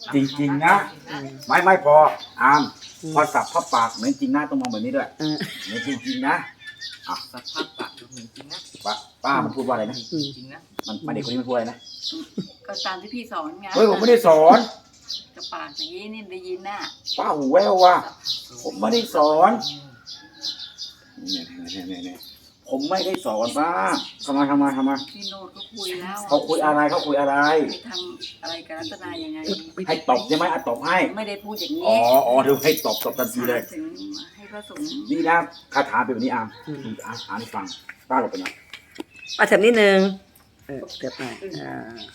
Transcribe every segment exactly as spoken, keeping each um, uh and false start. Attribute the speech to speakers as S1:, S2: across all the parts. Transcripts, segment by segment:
S1: จริงๆนะไม่ไม่พออามพอสับพระปากเหมือนจริงนะต้องมองแบบนี้ด้วยเหมือนจริงๆนะอ่ะ
S2: สภาพปากดูเหมือนจริงนะ
S1: ป้าป้ามันพูดว่าอะไรนะ
S2: จริงนะ
S1: มันมันเด็กคนนี้มันพูดอะไรนะ
S3: ก็ตามที่พี่สอนไง
S1: เฮ้ยผมไม่ได้สอน
S3: กระปากอย่างนี้นี่ได้ยินน่ะ
S1: ป้าหูแววว่ะผมไม่ได้สอนเนี่ยเนี่ยเนี่ยเนี่ยผมไม่ได้สอนป้าทำไมทำไมทำไม
S3: พี่โนดก็คุยแล้ว
S1: เขาคุยอะไรเขาคุยอะไร
S3: ไปทำอะไรกับรัตนายังไง
S1: ให้ตบใช่ไหมอ่ะตบให้
S3: ไม่ได้พูดอย่าง
S1: อ๋อ
S3: นี้
S1: อ๋อเดี๋ยวให้ตบตบทันทีเลย
S3: ถึงให้พระสงฆ์
S1: นี่นะคาถาเป็นแบบนี้อามอ่านอ่านให้ฟังป้าหลบไปหน่อย
S4: มาเถิบนิดนึงเออเถิบหน่อยอ่า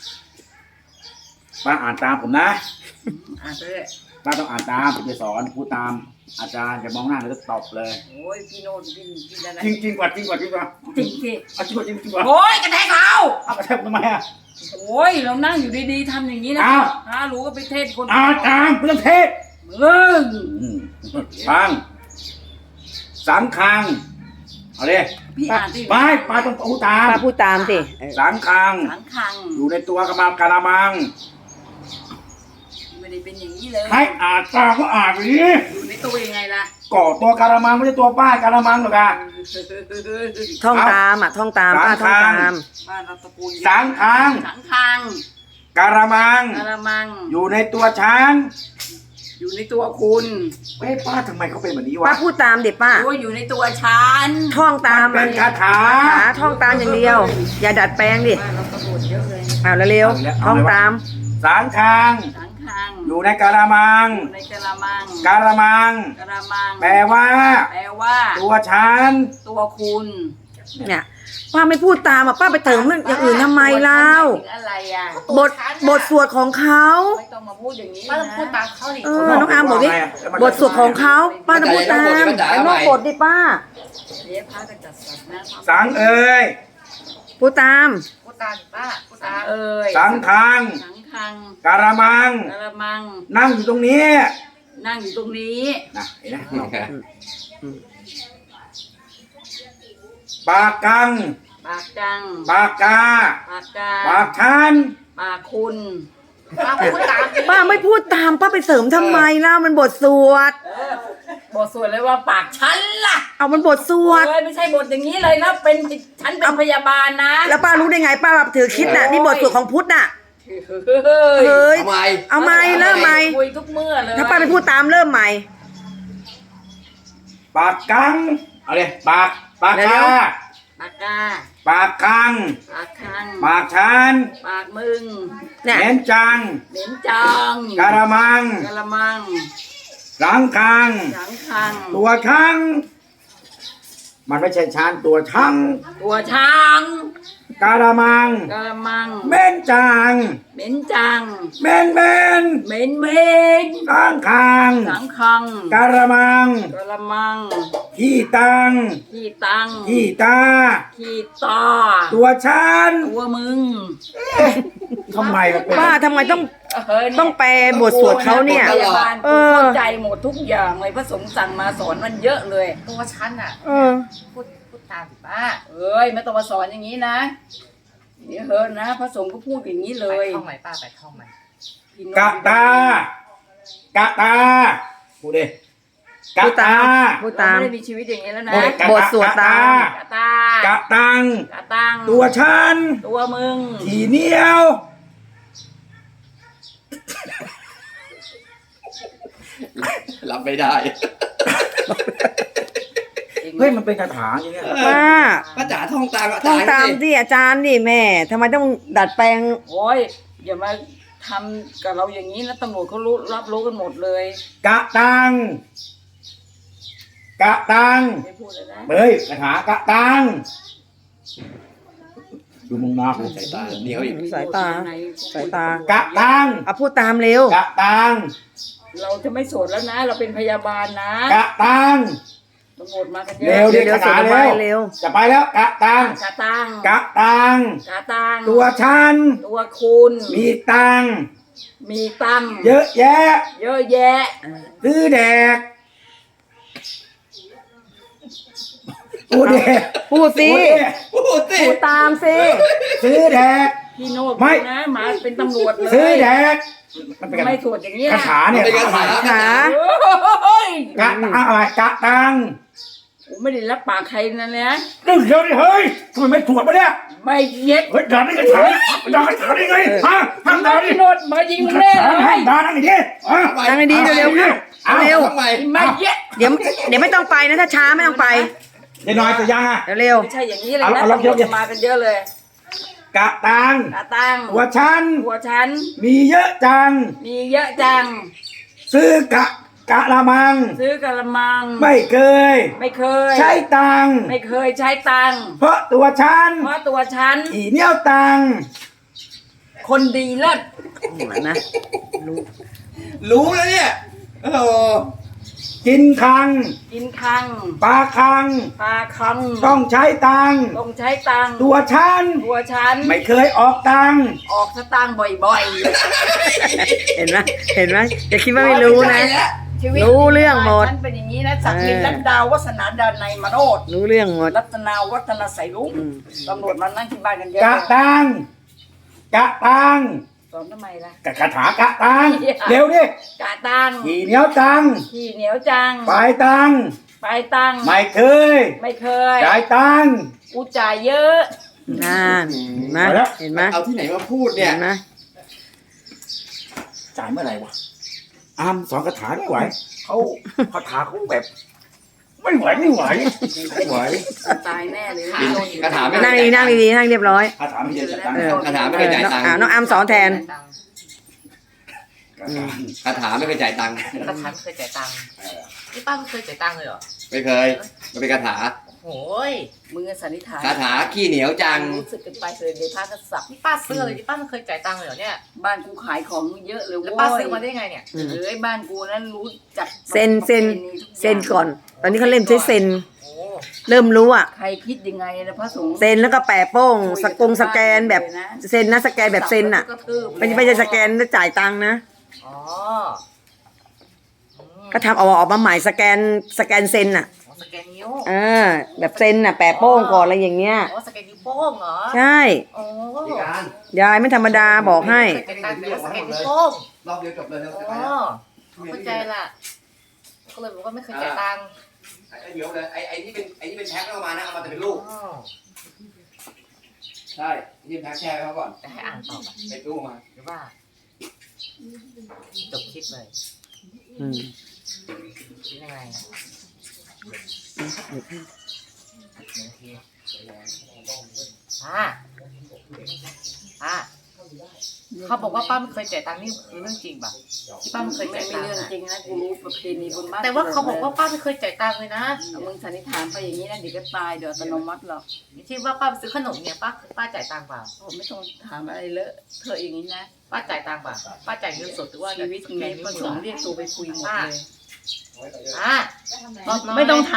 S1: ป้าอ่านตามผมนะ
S3: อ่านไปเลย
S1: ป้าต้องอ่านตามผมจะสอนพูดตามอาจารย์จะมองหน้าแล้วก็ตบเลย
S3: โอ้ยพี่โนดพี่พี่อะไร
S1: จริงจริงกว่าจริงกว่าจริงกว่า
S3: จริงสิ
S1: เอาจริงกว่าจริงจริงกว่า
S3: โอ้ยกระแทกเรา
S1: เอากระแทกทำไมอ่ะ
S3: โอ้ยเรานั่งอยู่ดีๆทำอย่างนี้นะ
S1: อ้าว
S3: ฮะรู้ก็ไปเทศคน
S1: อ่านตามเรื่องเทศ
S3: มึง
S1: ฟังสังคังเอาเลย
S3: พี่อ่านที่
S1: ไม่ป้าต้องพูดตาม
S4: ป้าพูดตามสิเออ
S1: สังคัง
S3: สังคัง
S1: อยู่ในตัวกระมังกระมัง
S3: ไม่ได้เป็นอย่างนี้เลย
S1: ให้อ่านตามก็อ่านไปดิ
S3: อยู่ในตัวยังไงล่ะ
S1: ก่อตัวกระมังไม่ใช่ตัวป้ากระมังหรอกอะ
S4: ท่องตามอ่ะท่องตามป้าท่องตาม
S3: บ้านเราตระกูล
S1: สังคัง
S3: สังคัง
S1: กระมัง
S3: กระมัง
S1: อยู่ในตัวช้าง
S3: อยู่ในตัวคุณ
S1: เฮ้ยป้าทำไมเขาเป็นแบบนี้
S4: ป้าว
S1: ะ
S4: พูดตามเด็ป้า
S3: โอ้ยอยู่ในตัวฉัน
S4: ท่องตาม
S1: มันเป็นคาถา
S4: ขาท่องตามอย่างเดียว อย่าดัดแปลงดิ
S3: บ้านเราตระกูลเยอะเลย
S4: เอาเร็วๆท่องตาม
S1: สังคัง
S3: สังคัง
S1: อยู่ในกระมัง
S3: อยู่ในกระมัง
S1: กระมัง
S3: กระมัง
S1: แปลว่า
S3: แปลว่า
S1: ตัวฉัน
S3: ตัวคุณ
S4: เนี่ยป้าไม่พูดตามอ่ะป้าไปเติมเรื่องอย่างอื่นทำไมเล่า
S3: ถึงอะไรอ่ะ
S4: บทบทสวดของเขา
S3: ไม่ต้องมาพูดอย่างนี้
S2: ป้าต้องพูดตามเขาดิ
S4: เออน้องอาร์มบอกดิบทสวดของเขาป้าต้องพูดตามไอ้นอกบทดิป้า
S3: เดี๋ยวพระจะจัดสรรนะ
S1: สังเอ่ย
S4: พูดตาม
S2: พูดตามดิป้าพูด
S3: สั
S2: ตาง ม
S3: เอ่ย
S1: สังคัง
S3: สังคัง
S1: กระมัง
S3: กระมัง
S1: นั่งอยู่ตรงนี้
S3: นั่งอยู่ตรงนี้
S1: นะเห็นไหมปากกัง
S3: ปากจัง
S1: ปากกา
S3: ปากกา
S1: ปากชัน
S3: ปากคุณ
S2: ป้าพูดตามดิ
S4: ป้าไม่พูดตามป้าไปเสริมทำไมเล่ามันบทสวด
S3: เออบทสวดเลยว่าปากฉันล่ะ
S4: เอามันบทสวด
S3: เอ้ยไม่ใช่บทอย่างนี้เลยนะเป็นฉันเป็นพยาบาลนะ
S4: แล้วป้ารู้ได้ไงป้าแบบถือคิดน่ะนี่บทสวดของพุทธน่ะ
S3: เฮ้ย
S4: เฮ้ย
S2: ทำไม
S4: เอาไหมเริ่มไหม
S3: คุยทุกเมื่อเลย
S4: ถ้าป้าไม่พูดตามเริ่มใหม่
S1: ปากกังเอาเลยปากปากกา
S3: ปากกา
S1: ปากคัง
S3: ปากคัง
S1: ปากชัน
S3: ปากมึง
S4: เนี่ย
S1: เน้นจัง
S3: เหม็นจัง
S1: กระมัง
S3: กระมัง
S1: สังคัง
S3: สังคัง
S1: ตัวช้างมันไม่ใช่ช้างตัวช้าง
S3: ตัวช้าง
S1: กระมัง
S3: กระมัง
S1: เม่นจัง
S3: เหม็นจัง
S1: เม่นเม่น
S3: เหม็นเหม็น
S1: สังคัง
S3: สังคัง
S1: กระมัง
S3: กระมัง
S1: ขี้ตัง
S3: ขี้ตัง
S1: ขี้ตา
S3: ขี้ตา
S1: ตัวฉัน
S3: ตัวมึง
S1: ทำไมมันเป็น
S4: ป้าทำไมต้อง
S3: เฮ้ยเนี่ย
S4: ต้องแปลบทสวดเขาเนี่ย
S3: พยาบาล
S4: เอ
S3: กู
S4: อ
S3: เข้าใจหมดทุกอย่างเลยพระสงฆ์สั่งมาสอนมันเยอะเลย
S2: ตัวฉันอ่ะ
S4: เออ
S2: พูดพูดตามดิป้า
S3: เอ้ยไม่ต้องมาสอนอย่างนี้นะเดี๋ยวเฮิร์นนะพระสงฆ์ก็พูดอย่างนี้เล
S2: ไป
S3: ย
S2: ท่องใหม่ป้าไปท่องใหม่
S3: พี่โน
S1: กะตากะตาพูดดิกะ
S4: พูดตา
S1: ตาม
S4: พูด
S3: เรา
S4: ตาม
S3: ไม่ได้มีชีวิตอย่างนี้แล้วนะ
S1: พูดดิกะ
S4: บทสวดตาม
S3: กะตาก
S1: ะตัง
S3: กะตัง
S1: ตัวฉัน
S3: ตัวมึง
S1: ขี่เหนียว
S2: รับไม่ได้
S1: เฮ้ยมันเป็นคาถาอย่างเงี้ย
S4: ป้า
S2: ป้าจ๋าท่องตาม
S4: ท่องตามดิอาจารย์ดิแม่ทำไมต้องดัดแปลง
S3: โอ้ยอย่ามาทำกับเราอย่างนี้นะตำรวจเขารู้รับรู้กันหมดเลย
S1: กะตังกะตัง
S3: ไม่พูดเลยนะ
S1: เฮ้ยคาถากะตังดูมึงมากู
S2: สายตาเหนียวอีก
S4: สายตา สายตา
S1: กะตัง
S4: เอาพูดตามเร็ว
S1: กะตัง
S3: เราจะไม่โสดแล้วนะ เราเป็นพยาบาลนะ
S1: กะตัง
S3: ตำรวจมากันเย
S1: เร็
S3: อะ
S1: วดิ
S4: เดี๋ยว
S1: คาถา
S4: เดี๋ยว
S1: เร็ว
S4: เร็ว
S1: จะไปแล้วกะตัง
S3: กะตัง
S1: กะตัง
S3: กะตัง
S1: ตัวฉัน
S3: ตัวคุณ
S1: มีตัง
S3: มีตัง
S1: เยอะแยะ
S3: เยอะแยะ
S1: ซื้อแดกพูดดิ
S4: พูดสิ
S1: พูดดิ
S2: พูดสิ
S4: พูดตามสิ
S1: ซื้อแดก
S3: พี่โน้ต
S1: ไม่
S3: นะมาเป็นตำรวจเลย
S1: ซื้อแดกมันเป็น
S3: ไม่สวดอย่างนี้
S1: คา
S3: นะ
S1: ถาเนี่ย
S2: เป็นคาถา
S4: ขา
S3: โอ้ย
S1: กะอะไรกะตัง
S3: กูไม่ได้รับปากใครนะเนี่ย
S1: เรื่องเดียวดิเฮ้ยทำไมไม่ตรวจมาเนี่ย
S3: ไม่เย็ด
S1: เฮ้ยด่าได้กระถางด่ากระถางได้ไงฮะห้ามด่าดิ
S3: โนดมายิง
S1: กระ
S3: แน่
S1: ถาง
S3: เล
S1: ห้าม
S3: ย
S1: ด่านั่งดิฮะ
S4: นั่งให้ดีเร็วๆเข้าเร็ว
S2: ทำไม
S3: ไม่เย็ด
S4: เดี๋ยวเดี๋ยวไม่ต้องไปนะถ้าช้าไม่ต้องไป
S1: เดี๋ยวหน่อยจะยังอ่ะ
S4: เร็ว
S3: ไม่ใช่อย่างนี้เลย
S1: เอา
S3: นะ
S1: เอาลอง
S3: ตำรวจ
S1: เดี๋ยว
S3: จะมากันเยอะเลย
S1: กะตัง
S3: ตาตัง
S1: หัวฉัน
S3: หัวฉัน
S1: มีเยอะจัง
S3: มีเยอะจัง
S1: ซื้อกะกะละมัง
S3: ซื้อกระมัง
S1: ไม่เคย
S3: ไม่เคย
S1: ใช้ตังค์
S3: ไม่เคยใช้ตังค์
S1: เพราะตัวฉัน
S3: เพราะตัวฉัน
S1: อีเนี่ยวตังค์
S3: คนดีเลิศ
S4: ๆนะ
S2: รู้แล้วเนี่ยโอ้โห
S1: กินคัง
S3: กินคัง
S1: ปลาคัง
S3: ปลาคัง
S1: ต้องใช้ตังค์
S3: ต้องใช้ตังค์
S1: ตัวฉัน
S3: ตัวฉัน
S1: ไม่เคยออกตังค์
S3: ออกสตางค์บ่อย
S4: เห็นไหมเห็นไหมอย่าคิดว่าไม่รู้นะ
S3: ๆชีวิต
S4: รู้เรื่องหมด
S3: ฉันเป็นอย่างนี้นะสักดิน
S4: เออ
S3: รัตดาววัฒนาดานในยมาโนด
S4: รู้เรื่องหมด
S3: รัตนาวัฒนาใสลุง
S4: อืม
S3: ตำรวจมานั่งที่บ้านกันเยอะ
S1: กะตังค์กะตังค์
S3: สอนทำไมล่ะ
S1: กะคาถากะตังค์
S3: เหี้ย
S1: เร็วดิ
S3: กาตังค์
S1: ขี่เหนียวตังค์
S3: ขี้เหนียวจัง
S1: ปลายตังค์
S3: ไปตังค์
S1: ไม่เคย
S3: ไม่เคย
S1: จ่ายตังค์
S3: กูจ่ายเยอะ
S4: นั่นเห็นไหม
S1: มาแล้ว
S4: เห็นไหม
S2: เอาที่ไหนมาพูดเนี่
S4: เห็
S2: ย
S4: นไหม
S1: จ่ายเมื่อไหร่วะอามสอนคาถาไม่ไหวเขาคาถาเขาแบบ ไม่ไหวไม่ไหวไม่ไหว
S3: ตายแน่เลย
S2: คาถาไม่
S4: นั่งดีๆนั่งดีๆนั่งเรียบร้อย
S1: คาถาไม่ใช่จ่ายตังค์
S4: เออ
S2: คาถาไม่
S4: เอ
S2: เคย
S4: อ
S2: จ่าย
S4: น้อง
S2: ตังค์
S4: อ่าน้องอามสอนแทน
S1: คาถา
S2: คาถาไม่เคยจ่ายตังค์
S5: กระถางเคยจ่ายตังค์นี่ป้าไม่เคยจ่ายตังค์เลยเหรอ
S2: ไม่เคยมันเป็นคาถา
S5: โอ้ย
S3: มึงอะสันนิษฐาน
S2: คาถาขี้เหนียวจัง
S3: รู้สึกกันไปเลยเดี๋ยวพากันสับ
S5: นี่ป้าซื้ออะไรนี่ป้าไม่เคยจ่ายตังค์เลยเหรอเนี่ย
S3: บ้านกูขายของเยอะเลย
S5: แล้ว
S3: เว้ย
S5: ป้าซื้อมาได้ไงเนี่ย
S4: อืม
S3: เอ้ยบ้านกูนั้นรู้จัก
S4: เซ็นเซ็น
S3: ประพณีทุอย่าง
S4: เซ็นก่อน ตอนนี้เขาเล่นใช้เซ็น
S5: โอ้
S4: เริ่มรู้อ่ะ
S3: ใครคิดยังไงนะพระสงฆ์
S4: เซ็นแล้วก็แปะโป้งสกงสแกนแบบเซ็นนะสแกนแบบเซ็นอ่ะ
S3: กระทืบ
S4: ไม่ใช่ไม่ใช่สแกนแล้วจ่ายตังค์นะ
S5: อ๋ออืม
S4: ก็ทำเอาออกมาใหม่สแกนสแกนเซ็นอ่ะ
S5: อ๋อสแกนนิ้ว
S4: เออแบบเซ็นอ่ะแปะโป้งก่อนอะไรอย่างเงี้ย
S5: อ๋อสแกนนิ้วโป้งเหรอ
S4: ใช่
S5: โอ้
S4: ยายไม่ธรรมดาบอกให้
S5: เคยจ่ายตังค์แต่ว่าสแกนนิ้วโป้ง
S2: รอบเดียวจบเลยนะ
S5: อ๋อเข้าใจละก็เลยบอกว่าไม่เคยจ่ายตังค์
S2: ไอ้เดี๋ยวเลยไอ้ไอ้ที่เป็นไอ้ที่เป็นแพ็คเอามานะเอามาแต่เป็นลูก
S5: อ๋อ
S2: ใช่ที่เป็นแพ็คแช่ไว้เขาก่อน
S5: จะให้อ่านต่อไหม
S2: เป็นตู้มา
S5: หรือว่าจบคลิปเลย
S4: อืม
S5: หรือยังไงอะหนึ่งทีอ่าอ่าเขาบอกว่าป้าไม่เคยจ่ายตังค์นี่คือเรื่องจริงป่ะที่ป้าไม่เคย
S3: ไม่
S5: จ่าย
S3: มี
S5: ตังค์
S3: เรื่อง
S5: อะ
S3: จริงนะกูรู้ประเพณีบนบ้าน
S5: แต่ว่าเขาบอกว่าป้าไม่เคยจ่ายตังค์เลยนะ
S3: เอามึงสันนิษฐานไปอย่างนี้นะเดี๋ยวก็ตายเดี๋ยวอัตโนมัติหรอก
S5: ที่ว่าป้าไปซื้อขนมเนี่ยป้าป้าจ่ายตังค์เปล่า
S3: ผมไม่ต้องถามอะไรเลอะเธอะอย่างนี้นะ
S5: ป้าจ่ายตังค์เปล่าป้าจ่ายเงินสดหรือว่า
S3: ชีวิต
S5: ส
S3: นี้
S5: แกนนิ้ว
S3: ประส
S5: มือง
S3: ค์เรียกตัวไปคุยหมดเลย
S5: อ่า
S3: ไม่ต้องถาม